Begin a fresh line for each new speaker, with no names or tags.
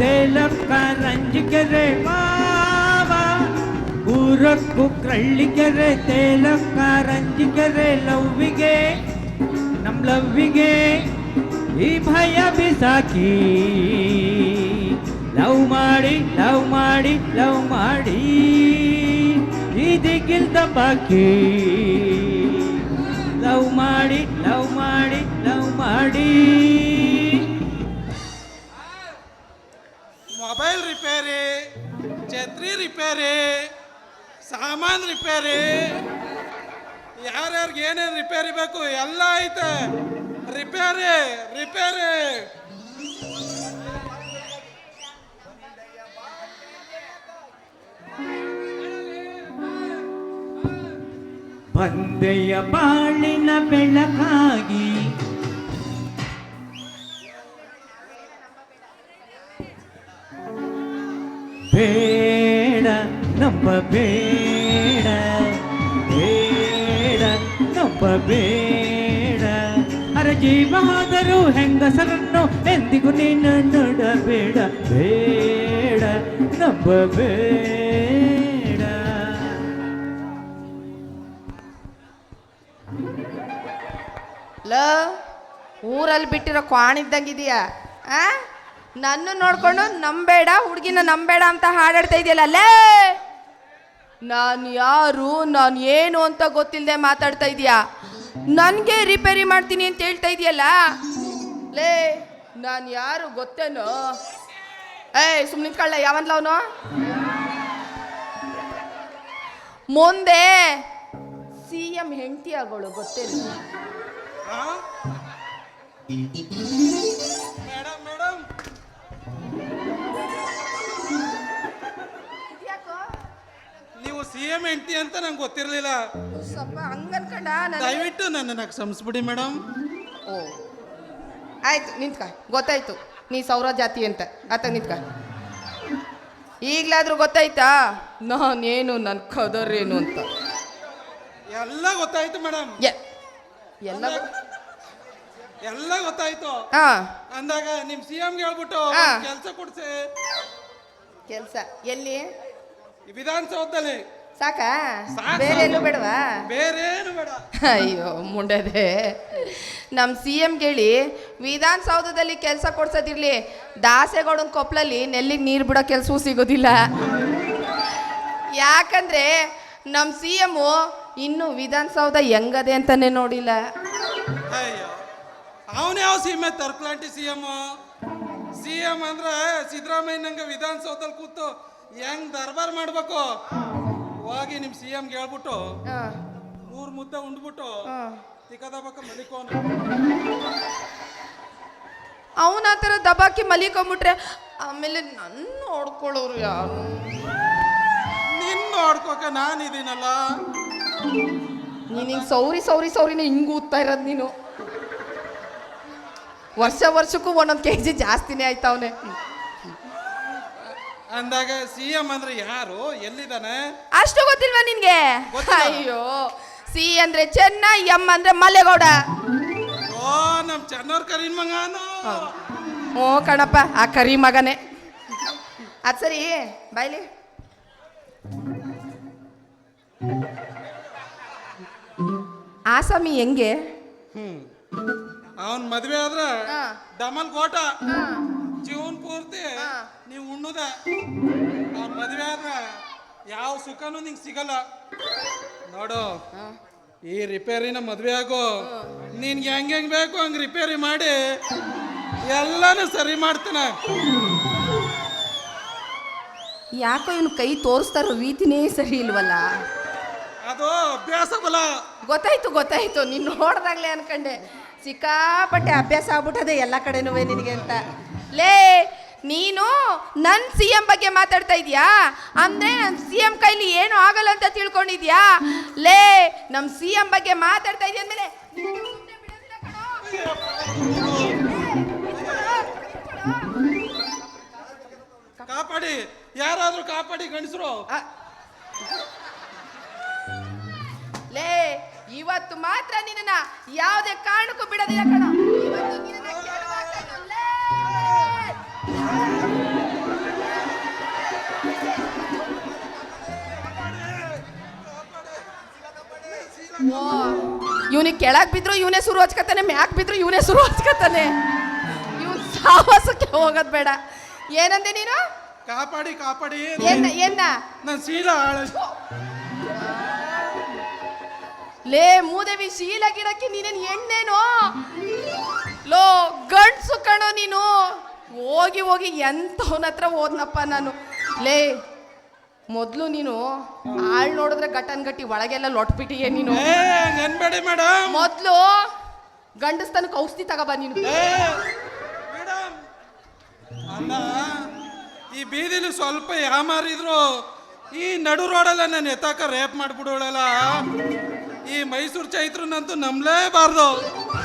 ತೇಲಕ್ಕ ರಂಜಿಕೆರೆ ಮಾವ ಊರಕ್ಕೂ ಕ್ರಳ್ಳಿಕೆರೆ ತೇಲಕ್ಕ ರಂಜಿಕೆರೆ ಲವ್ವಿಗೆ ನಮ್ ಲವ್ವಿಗೆ ಈ ಭಯ ಬಿಸಾಕಿ ಲವ್ ಮಾಡಿ ಲವ್ ಮಾಡಿ ಲವ್ ಮಾಡಿ ಇದಕ್ಕಿಲ್ದ ಬಾಕಿ ಲವ್ ಮಾಡಿ ಲವ್ ಮಾಡಿ ಲವ್ ಮಾಡಿ.
ಮೊಬೈಲ್ ರಿಪೇರಿ, ಛತ್ರಿ ರಿಪೇರಿ, ಸಾಮಾನು ರಿಪೇರಿ, ಯಾರ್ಯಾರಿಗೆ ಏನೇನು ರಿಪೇರಿ ಬೇಕು ಎಲ್ಲ ಐತೆ. Repair repair.
ಬಂದೆಯ ಬಾಳಿನ ಬೆಳಕಾಗಿ ಬೇಡ ನಂಬಬೇಡ ಬೇಡ ನಂಬಬೇಡ ಅರೆ ಜೀವ ಹೋದರೂ ಹೆಂಗಸರನ್ನು ಎಂದಿಗೂ ನೀನು ನೋಡಬೇಡ ಬೇಡ ನಂಬಬೇಡ.
ಲ ಊರಲ್ಲಿ ಬಿಟ್ಟಿರೋ ಕ್ವಾಣಿದ್ದಂಗಿದೆಯಾ ಆ ನನ್ನ ನೋಡ್ಕೊಂಡು ನಂಬೇಡ ಹುಡುಗಿನ ನಂಬೇಡ ಅಂತ ಹಾಡಾಡ್ತಾ ಇದೆಯಲ್ಲ ಅಲ್ಲೇ. ನಾನು ಯಾರು ನಾನು ಏನು ಅಂತ ಗೊತ್ತಿಲ್ಲದೆ ಮಾತಾಡ್ತಾ ಇದೀಯಾ. ನನಗೆ ರಿಪೇರಿ ಮಾಡ್ತೀನಿ ಅಂತ ಹೇಳ್ತಾ ಇದೆಯಲ್ಲ ಲೇ. ನಾನು ಯಾರು ಗೊತ್ತೇನೋ? ಸುಮ್ಮನೆ ನಿಂತ್ಕೊಳ್ಳ ಯಾವನ್ಲ ಅವನು. ಮುಂದೆ CM ಹೆಂಡತಿ ಆಗೋಳು ಗೊತ್ತೇನು?
ಮೇಡಮ್ ಮೇಡಮ್ ನೀವು CM ಹೆಂಡತಿ ಅಂತ ನಂಗೆ ಗೊತ್ತಿರಲಿಲ್ಲ.
ಸ್ವಲ್ಪ ಹಂಗನ್ಕಂಡ
ದಯವಿಟ್ಟು ನನ್ನನ್ನು ಕ್ಷಮಿಸ್ಬಿಡಿ ಮೇಡಮ್.
ಓ ಆಯ್ತು ನಿಂತ್ಕ, ಗೊತ್ತಾಯ್ತು ನೀ ಸೌರ ಜಾತಿ ಅಂತ. ಆತ ನಿಂತ್ಕ. ಈಗಲಾದ್ರೂ ಗೊತ್ತಾಯ್ತಾ ನಾನೇನು ನನ್ನ ಕದರೇನು ಅಂತ?
ಎಲ್ಲ ಗೊತ್ತಾಯ್ತು ಮೇಡಮ್.
ಎಲ್ಲ
ಎಲ್ಲ ಗೊತ್ತಾಯ್ತು. ಅಂದಾಗ ನಿಮ್ CM ಗೆ ಹೇಳ್ಬಿಟ್ಟು ಕೆಲಸ ಕೊಡ್ಸಿ.
ಕೆಲಸ ಎಲ್ಲಿ?
ವಿಧಾನಸೌಧದಲ್ಲಿ.
ಸಾಕಾ? ಬೇರೆ ಎಲ್ಲೂ ಬೇಡವಾ?
ಬೇರೇನು ಬೇಡ.
ಅಯ್ಯೋ ಮುಂಡದೆ, ನಮ್ಮ CM ಹೇಳಿ ವಿಧಾನಸೌಧದಲ್ಲಿ ಕೆಲಸ ಕೊಡ್ಸೋದಿರ್ಲಿ, ದಾಸೆಗೌಡನ ಕೊಪ್ಪಲಲ್ಲಿ ನೆಲ್ಲಿಗೆ ನೀರು ಬಿಡೋ ಕೆಲಸವೂ ಸಿಗೋದಿಲ್ಲ. ಯಾಕಂದ್ರೆ ನಮ್ಮ CM ಇನ್ನು ವಿಧಾನಸೌಧ ಹೆಂಗದೆ ಅಂತಾನೆ ನೋಡಿಲ್ಲ.
ಅಯ್ಯೋ ಅವನ ಯಾವ ಸೀಮೆ ತರ್ಕಲಾಂಟಿ CM ಅಂದ್ರೆ ಸಿದ್ದರಾಮಯ್ಯನಂಗೆ ವಿಧಾನಸೌಧದಲ್ಲಿ ಕೂತು ಹೆಂಗ್ ದರ್ಬಾರ್ ಮಾಡ್ಬೇಕು. ಹೋಗಿ ನಿಮ್ CM ಗೆ ಹೇಳ್ಬಿಟ್ಟು 3 ಮುದ್ದೆ ಉಂಡ್ಬಿಟ್ಟು ತಿಕ್ಕದಬಕ್ಕ ಮಲಿಕೋನ.
ಅವನ ಆ ಥರ ದಬಾಕಿ ಮಲಿಕೊಂಬಿಟ್ರೆ ಆಮೇಲೆ ನನ್ನ ನೋಡ್ಕೊಳ್ಳೋರು ಯಾರು?
ನಿನ್ನ ನೋಡ್ಕೋಕ ನಾನಿದ್ದೀನಲ್ಲ.
ನೀನು ಹಿಂಗೆ ಸೌರಿನ ಹಿಂಗೆ ಊದ್ತಾ ಇರೋದು ನೀನು. ವರ್ಷಕ್ಕೂ ಒಂದೊಂದು kg ಜಾಸ್ತಿನೇ ಆಯ್ತಾವನೆ.
ಅಂದಾಗ CM ಅಂದ್ರೆ ಯಾರು, ಎಲ್ಲಿದ್ದಾನೆ
ಅಷ್ಟು ಗೊತ್ತಿಲ್ವಾ ನಿನ್ಗೆ? ಅಯ್ಯೋ C ಅಂದ್ರೆ ಚೆನ್ನ, M ಅಂದ್ರೆ ಮಲ್ಲೇಗೌಡ.
ಓ ನಮ್ ಚೆನ್ನವ್ರ ಕರೀನ್ ಮಗನು.
ಓ ಕಣಪ್ಪ ಆ ಕರಿ ಮಗನೇ. ಅದ್ ಸರಿ ಬಾಯ್ಲಿ. ಆಸಾಮಿ ಹೆಂಗೆ?
ಅವನ್ ಮದ್ವೆ ಆದ್ರೆ ಡಮಲ್ ಕೋಟ ಜೀವನ್ ಪೂರ್ತಿ ನೀವು ಉಣ್ಣುದ. ಅವನ್ ಮದ್ವೆ ಆದ್ರೆ ಯಾವ ಸುಖನೂ ನಿಂಗೆ ಸಿಗಲ್ಲ ನೋಡು. ಈ ರಿಪೇರಿನ ಮದ್ವೆ ಆಗೋ ನಿನ್ಗೆ ಹೆಂಗ್ ಬೇಕು ಹಂಗ್ ರಿಪೇರಿ ಮಾಡಿ ಎಲ್ಲಾನು ಸರಿ ಮಾಡ್ತಾನೆ.
ಯಾಕೋ ಇವನು ಕೈ ತೋರಿಸ್ತಾರೋ ರೀತಿನೇ ಸರಿ ಇಲ್ವಲ್ಲ.
ಅದು ಅಭ್ಯಾಸ ಬಲ.
ಗೊತ್ತಾಯ್ತು ನೀನು ನೋಡ್ದಾಗ್ಲೇ ಅನ್ಕಂಡೆ ಸಿಕ್ಕಾಪಟ್ಟೆ ಅಭ್ಯಾಸ ಆಗ್ಬಿಟ್ಟದೆ ಎಲ್ಲ ಕಡೆನೂ ನಿನಗೆ ಅಂತ. ಲೇ ನೀನು ನನ್ನ CM ಬಗ್ಗೆ ಮಾತಾಡ್ತಾ ಇದೀಯಾ ಅಂದ್ರೆ ನನ್ನ CM ಕೈಲಿ ಏನು ಆಗಲ್ಲ ಅಂತ ತಿಳ್ಕೊಂಡಿದ್ಯಾ? ಲೇ ನಮ್ಮ CM ಬಗ್ಗೆ ಮಾತಾಡ್ತಾ ಇದೀಯ ಅಂದ್ಮೇಲೆ
ಕಾಪಾಡಿ, ಯಾರಾದ್ರೂ ಕಾಪಾಡಿ ಗಂಡಸರು.
ಲೇ ಇವತ್ತು ಮಾತ್ರ ನಿನ್ನ ಯಾವುದೇ ಕಾರಣಕ್ಕೂ ಬಿಡೋದಿಲ್ಲ ಕಣ. ಇವತ್ತು ನಿನ್ನ ಇವನಿಗೆ ಕೆಳಗ್ ಬಿದ್ರು ಇವನೇ ಶುರು ಹಚ್ಕತಾನೆ, ಮ್ಯಾಕ್ ಬಿದ್ರು ಇವನೇ ಶುರು ಹಚ್ಕತಾನೆ. ಇವ್ನು ಸಾಹಸಕ್ಕೆ ಹೋಗೋದ್ ಬೇಡ. ಏನಂದೆ ನೀನು?
ಕಾಪಾಡಿ ಕಾಪಾಡಿ.
ಏನ
ನನ್ ಶೀಲ
ಲೇ ಮೂದೇವಿ, ಶೀಲ ಗಿಡಕ್ಕೆ ನೀನೇನ್ ಎಣ್ಣೆನೋ? ಲೋ ಗಂಡ್ಸು ಕಣೋ ನೀನು. ಹೋಗಿ ಹೋಗಿ ಎಂತವನ ಹತ್ರ ಹೋದ್ನಪ್ಪ ನಾನು. ಲೇ ಮೊದ್ಲು ನೀನು ಆಳ್ ನೋಡಿದ್ರೆ ಗಟ್ಟನ್ ಗಟ್ಟಿ, ಒಳಗೆಲ್ಲ ಲೊಟ್ಬಿಟ್ಟಿಯೇ ನೀನು.
ನೆನ್ಬೇಡಿ ಮೇಡಮ್.
ಮೊದ್ಲು ಗಂಡಸ್ತನಕ್ಕೆ ಔಷಧಿ ತಗೋಬ ನೀನು.
ಮೇಡಮ್ ಅಲ್ಲ, ಈ ಬೀದಿಲಿ ಸ್ವಲ್ಪ ಯಾಮಾರಿದ್ರು ಈ ನಡು ರೋಡಲ್ಲ ನಾನು ಎತ್ತಾಕ ರೇಪ್ ಮಾಡ್ಬಿಡೋಳಲ್ಲ. ಈ ಮೈಸೂರು ಚೈತ್ರನಂತೂ ನಂಬಲೇಬಾರ್ದು.